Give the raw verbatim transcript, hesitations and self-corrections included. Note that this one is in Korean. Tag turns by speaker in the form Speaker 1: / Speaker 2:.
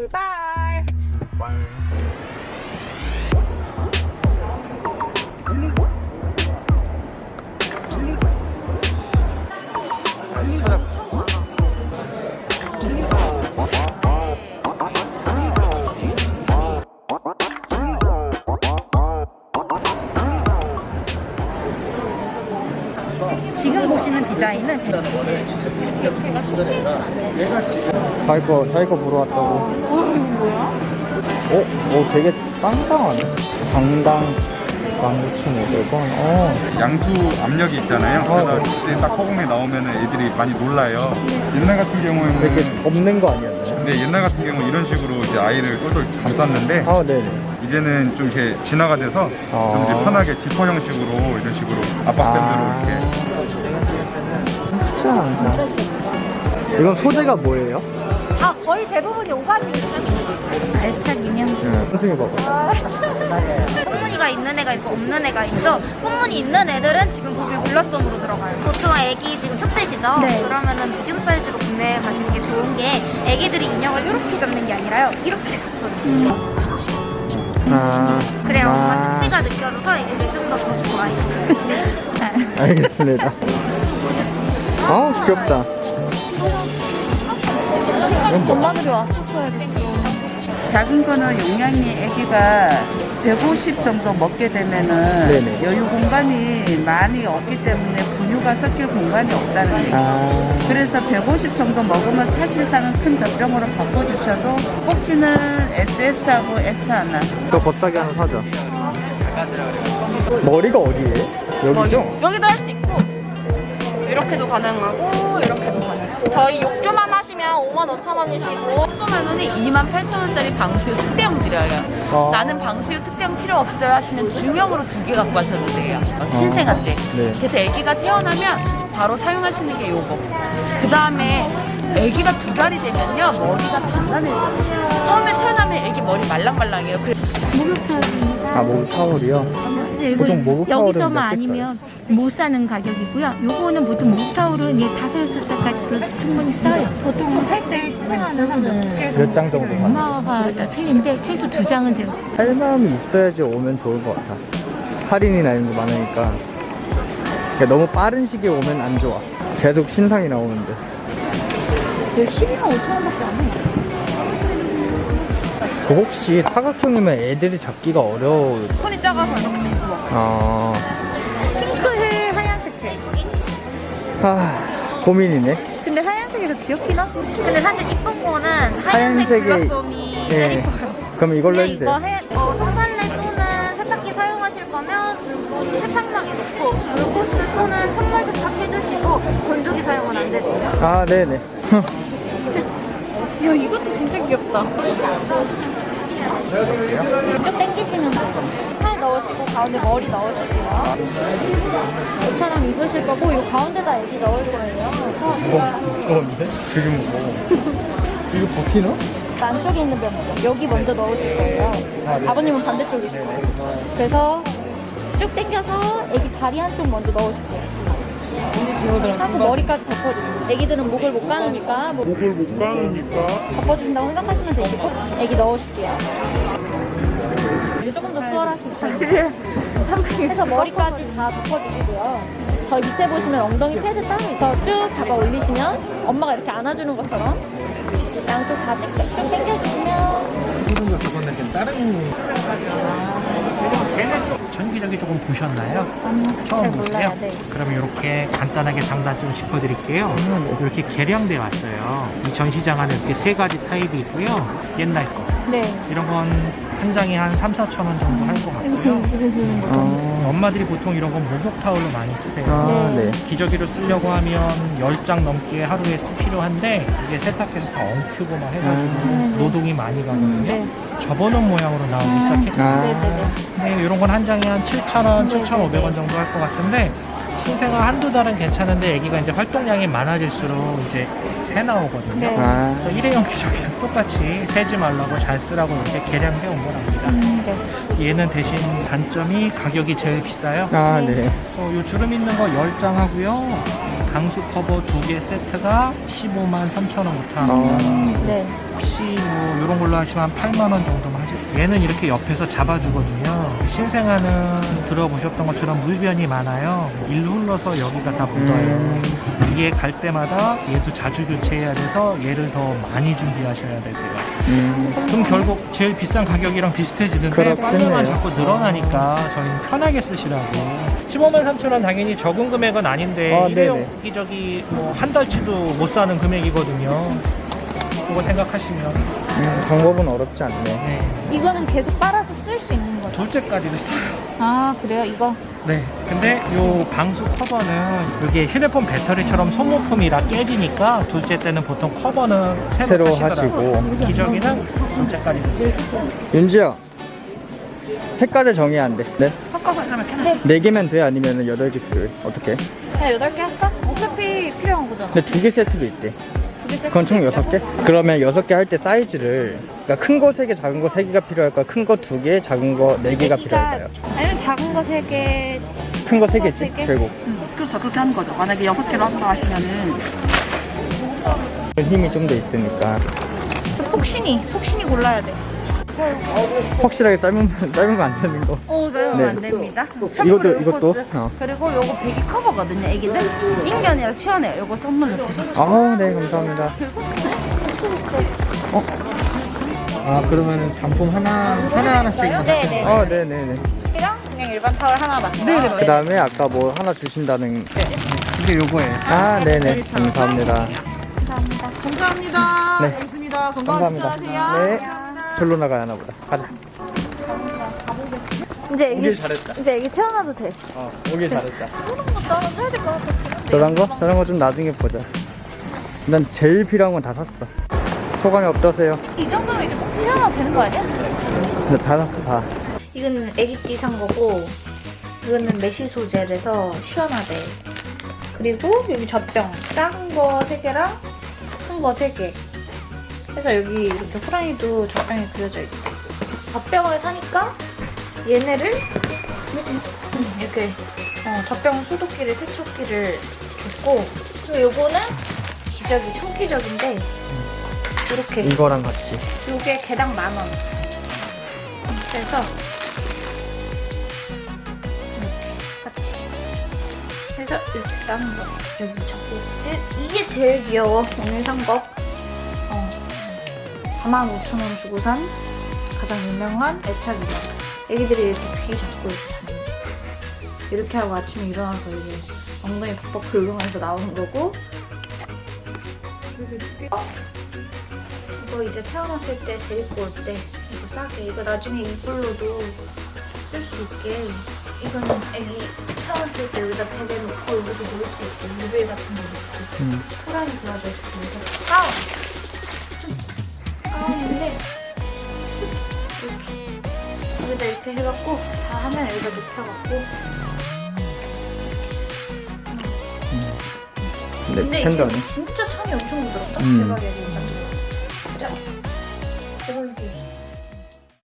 Speaker 1: 출발.
Speaker 2: 출발.
Speaker 1: 지금 보시는 디자인은
Speaker 3: 자기 거, 자기 거 보러 왔다고.
Speaker 1: 뭐야?
Speaker 3: 어? 어, 되게 짱짱하네. 장당 만 구천오백 원. 어.
Speaker 2: 양수 압력이 있잖아요.
Speaker 3: 어,
Speaker 2: 그래서
Speaker 3: 네.
Speaker 2: 그때 딱 허공에 나오면 애들이 많이 놀라요. 옛날 같은 경우에는
Speaker 3: 되게 덮는 거 아니었나요?
Speaker 2: 네, 옛날 같은 경우 이런 식으로 이제 아이를 똘똘 감쌌는데
Speaker 3: 아, 네네.
Speaker 2: 이제는 좀 이렇게 진화가 돼서
Speaker 3: 아.
Speaker 2: 좀 이제 편하게 지퍼 형식으로 이런 식으로 압박밴드로
Speaker 3: 아.
Speaker 2: 이렇게.
Speaker 3: 진짜 많다. 이건 소재가 뭐예요?
Speaker 1: 아, 거의 대부분이 오감이에요. 알차기면.
Speaker 3: 네, 선생님 봐봐.
Speaker 4: 꽃무늬가 있는 애가 있고 없는 애가 있죠. 꽃무늬 있는 애들은 지금 보시면 블러썸으로 들어가요. 보통 애기 지금 첫째시죠?
Speaker 1: 네.
Speaker 4: 그러면은 미디움 사이즈로 구매해 가시는 게 좋은 게 애기들이 인형을 이렇게 잡는 게 아니라요. 이렇게 잡거든요.
Speaker 3: 아.
Speaker 4: 그래야
Speaker 3: 아.
Speaker 4: 뭔가 touch가 느껴져서 애기들 좀 더 더 좋아해요.
Speaker 3: 알겠습니다. 아, 귀엽다. 이건 뭐?
Speaker 1: 엄마들이 왔었어야 됐어.
Speaker 5: 작은 거는 용량이 아기가 백오십 정도 먹게 되면은
Speaker 3: 네네.
Speaker 5: 여유 공간이 많이 없기 때문에 분유가 섞일 공간이 없다는 얘기죠.
Speaker 3: 아.
Speaker 5: 그래서 백오십 정도 먹으면 사실상은 큰 젖병으로 바꿔주셔도 꼭지는 에스에스하고 에스 하나.
Speaker 3: 저 겉다기 하나 사자. 머리가 어디에? 여기죠?
Speaker 1: 여기도 할 수 있고 이렇게도 가능하고 이렇게도 가능하고 저희 욕조만 하시면 오만 오천 원이시고
Speaker 6: 조그만 원에 이만 팔천 원짜리 방수유 특대용 드려요.
Speaker 3: 아.
Speaker 6: 나는 방수유 특대용 필요 없어요 하시면 중형으로 두 개 갖고 가셔도 돼요. 어, 신생한테.
Speaker 3: 네.
Speaker 6: 그래서 아기가 태어나면 바로 사용하시는 게 요거. 그 다음에 아기가 두 달이 되면요 머리가 단단해져요. 처음에 태어나면 아기 머리 말랑말랑해요. 그래.
Speaker 3: 아, 목욕 타월이요? 보통 목욕 타월은
Speaker 7: 여기서만
Speaker 3: 몇
Speaker 7: 아니면 못 사는 가격이고요. 요거는 보통 목욕 타월은 이 다섯 여섯 살까지도 충분히 써요.
Speaker 1: 보통 살 때 신생아는 한
Speaker 3: 몇 장 정도 가요?
Speaker 7: 엄마가 다 틀린데 최소 두 장은 제가
Speaker 3: 할 마음이 있어야지 오면 좋을 것 같아. 할인이나 이런 거 많으니까. 그러니까 너무 빠른 시기에 오면 안 좋아. 계속 신상이 나오는데.
Speaker 1: 십이만 오천 원밖에 안 해.
Speaker 3: 그 혹시 사각형이면 애들이 잡기가 어려울.
Speaker 1: 손이 작아서 이렇게 입고
Speaker 3: 아,
Speaker 1: 핑크해 하얀색 해.
Speaker 3: 아 고민이네.
Speaker 1: 근데 하얀색이 더 귀엽긴 하지.
Speaker 4: 근데 사실 이쁜 거는 하얀색
Speaker 3: 하얀색이-
Speaker 4: 블러썸이 제일
Speaker 3: 예.
Speaker 4: 이뻐요.
Speaker 3: 그럼 이걸로
Speaker 1: 그냥
Speaker 3: 해주세요.
Speaker 1: 이거 하얀
Speaker 4: 어, 손빨래 또는 세탁기 사용하실 거면 세탁망에 넣고 물고스 또는 찬물 세탁 해주시고 건조기 사용은 안 되세요.
Speaker 3: 아, 네네.
Speaker 1: 야 이것도 진짜 귀엽다. 쭉 당기시면 돼요. 팔 넣으시고 가운데 머리 넣으실게요. 이처럼 입으실 거고 요 가운데다 애기 넣을 거예요.
Speaker 3: 무거운데? 지금 뭐. 이거 버티나?
Speaker 1: 안쪽에 있는 면 여기 먼저 넣으실 거예요.
Speaker 3: 아, 네.
Speaker 1: 아버님은 반대쪽이실 거예요. 그래서 쭉 당겨서 애기 다리 한쪽 먼저 넣으실 거예요. 하고 머리까지 덮어주세요. 애기들은 목을 못 가누니까 목-
Speaker 8: 목을 못 가누니까
Speaker 1: 덮어준다고 생각하시면 되시고 애기 넣으실게요. 이제 조금 더 수월하시면 돼요. 해서 머리까지 다 덮어주시고요. 저희 밑에 보시면 엉덩이 패드 따로 있어 쭉 잡아 올리시면 엄마가 이렇게 안아주는 것처럼 양쪽 다 쭉 당겨주시면
Speaker 9: 그런 그거는 좀 다른 전기적이 조금 보셨나요? 처음 보세요?
Speaker 1: 몰라요. 네.
Speaker 9: 그럼 이렇게 간단하게 장단점 짚어드릴게요. 이렇게 개량돼 왔어요. 이 전시장 안에 이렇게 세 가지 타입이 있고요. 옛날 거
Speaker 1: 네.
Speaker 9: 이런 건 한 장에 한 삼, 사천 원 정도 할 것 같고요.
Speaker 3: 아,
Speaker 9: 엄마들이 보통 이런 건 목욕 타올로 많이 쓰세요.
Speaker 3: 아, 네.
Speaker 9: 기저귀로 쓰려고 하면 열 장 넘게 하루에 쓰 필요한데 이게 세탁해서 다 엉키고 막 해가지고 노동이 많이 가거든요.
Speaker 1: 네.
Speaker 9: 접어놓은 모양으로 나오기 시작했거든요.
Speaker 3: 아,
Speaker 1: 네네네.
Speaker 9: 근데 이런 건 한 장에 한 칠천 원, 칠천오백 원 정도 할 것 같은데 신생아 한두 달은 괜찮은데 아기가 이제 활동량이 많아질수록 이제 새 나오거든요.
Speaker 1: 네.
Speaker 3: 아,
Speaker 9: 그래서 일회용 기저귀랑 똑같이 새지 말라고 잘 쓰라고 이렇게 개량해 온 거랍니다.
Speaker 1: 음, 네.
Speaker 9: 얘는 대신 단점이 가격이 제일 비싸요.
Speaker 3: 아, 네.
Speaker 9: 그래서 요 주름 있는 거 열 장 하고요. 방수 커버 두 개 세트가 십오만 삼천 원부터 합니다.
Speaker 3: 어.
Speaker 1: 네.
Speaker 9: 혹시 메쉬 뭐 이런 걸로 하시면 한 팔만 원 정도만 하죠. 얘는 이렇게 옆에서 잡아주거든요. 신생아는 들어보셨던 것처럼 물변이 많아요. 일 흘러서 여기가 다 묻어요.
Speaker 3: 음.
Speaker 9: 이게 갈 때마다 얘도 자주 교체해야 돼서 얘를 더 많이 준비하셔야 되세요.
Speaker 3: 음.
Speaker 9: 그럼 결국 제일 비싼 가격이랑 비슷해지는데
Speaker 3: 그렇겠네요.
Speaker 9: 빨래만 자꾸 늘어나니까 저희는 편하게 쓰시라고. 십오만 삼천 원 당연히 적은 금액은 아닌데
Speaker 3: 아,
Speaker 9: 일회용
Speaker 3: 네네.
Speaker 9: 기저귀 뭐 한 달치도 못 사는 금액이거든요. 그거 생각하시면
Speaker 3: 음, 방법은 어렵지 않네.
Speaker 9: 네.
Speaker 1: 이거는 계속 빨아서 쓸 수 있는 거죠?
Speaker 9: 둘째까지도 써요.
Speaker 1: 아, 그래요? 이거?
Speaker 9: 네. 근데 요 방수 커버는 이게 휴대폰 배터리처럼 소모품이라 깨지니까 둘째 때는 보통 커버는 새로,
Speaker 3: 새로
Speaker 9: 하시더라고요.
Speaker 3: 하시고.
Speaker 9: 기저귀는 둘째까지도 써요.
Speaker 3: 윤지야, 색깔을 정해야 안 돼. 네?
Speaker 6: 섞어서 그러면 캐놨어.
Speaker 3: 네 개면 돼? 아니면 여덟 개 필요해? 어떻게?
Speaker 1: 그냥 여덟 개 할까? 어차피 필요한 거잖아.
Speaker 3: 근데 두 개 세트도 있대.
Speaker 1: 두 개 세트
Speaker 3: 그건 총
Speaker 1: 있다고?
Speaker 3: 여섯 개? 그러면 여섯 개 할 때 사이즈를, 그러니까 큰 거 세 개, 작은 거 세 개가 필요할까? 큰 거 두 개, 작은 거 네 개가 필요할까요?
Speaker 1: 아니면 작은 거 세 개.
Speaker 3: 큰 거 세
Speaker 1: 큰 거
Speaker 3: 개지,
Speaker 1: 세 개?
Speaker 3: 결국.
Speaker 6: 그렇죠. 그렇게 하는 거죠. 만약에 여섯 개로 한다 하시면은
Speaker 3: 힘이 좀 더 있으니까.
Speaker 1: 저 폭신이, 폭신이 골라야 돼.
Speaker 3: 확실하게 삶으면, 삶으면 안 되는 거.
Speaker 6: 오, 사용은
Speaker 3: 네.
Speaker 6: 안 됩니다.
Speaker 3: 이것도, 이것도? 어.
Speaker 6: 그리고 요거 배기 커버거든요. 애기들 인견이라 시원해요. 요거 선물로.
Speaker 3: 아, 네, 감사합니다. 어? 아, 그러면은 단품 하나, 하나하나씩.
Speaker 1: 네네.
Speaker 3: 아, 네네네.
Speaker 1: 이랑 그냥 일반 타월 하나 맞죠?
Speaker 6: 네네.
Speaker 3: 그 다음에 아까 뭐 하나 주신다는.
Speaker 2: 이게 요거예요.
Speaker 3: 아, 네네. 감사합니다.
Speaker 6: 감사합니다.
Speaker 3: 네.
Speaker 6: 알겠습니다.
Speaker 3: 감사합니다. 네. 절로 나가야 하나 보다. 가자.
Speaker 1: 이제
Speaker 3: 오길
Speaker 1: 애기,
Speaker 3: 잘했다.
Speaker 1: 이제 애기 태어나도 돼.
Speaker 3: 어, 오길 잘했다.
Speaker 1: 저런 것도 하나 사야 될 것 같아.
Speaker 3: 저런 거? 저런 거 좀 나중에 보자. 난 제일 필요한 건 다 샀어. 소감이 어떠세요?
Speaker 1: 이 정도면 이제 혹시 태어나도 되는 거 아니야?
Speaker 3: 진짜 다 샀어, 다.
Speaker 1: 이거는 애기띠 산 거고, 이거는 메쉬 소재라서 시원하대. 그리고 여기 젖병. 작은 거 세 개랑 큰 거 세 개. 그래서 여기 이렇게 호랑이도 젖병이 그려져 있대. 젖병을 사니까 얘네를 이렇게 어, 젖병 소독기를, 세척기를 줬고, 그리고 요거는 기저귀, 청기저귀인데 이렇게
Speaker 3: 이거랑 같이.
Speaker 1: 요게 개당 만 원. 그래서 이렇게 같이. 그래서 이렇게 싸는 거. 여기 적고 이게 제일 귀여워. 오늘 산 거. 어. 사만 오천 원 주고 산 가장 유명한 애착이다. 애기들이 이렇게 귀 잡고 이렇게 자는 거. 이렇게 하고 아침에 일어나서 이제 엉덩이 벅벅 긁으면서 나오는 거고. 그리고 이거 이거 이제 태어났을 때 데리고 올 때 이거 싸게. 이거 나중에 이불로도 쓸 수 있게. 이거는 애기 태어났을 때 여기다 베개 놓고 여기서 놀 수 있게. 유배 같은 거 놓고.
Speaker 3: 음.
Speaker 1: 호랑이 그려져 있어. 가운! 가운인데 이렇게 여기다 이렇게 해갖고 다 하면 여기다 눕혀갖고.
Speaker 3: 네,
Speaker 1: 근데
Speaker 3: 팬더네.
Speaker 1: 이게 진짜 천이 엄청 부드럽다.
Speaker 3: 음.
Speaker 1: 대박이야.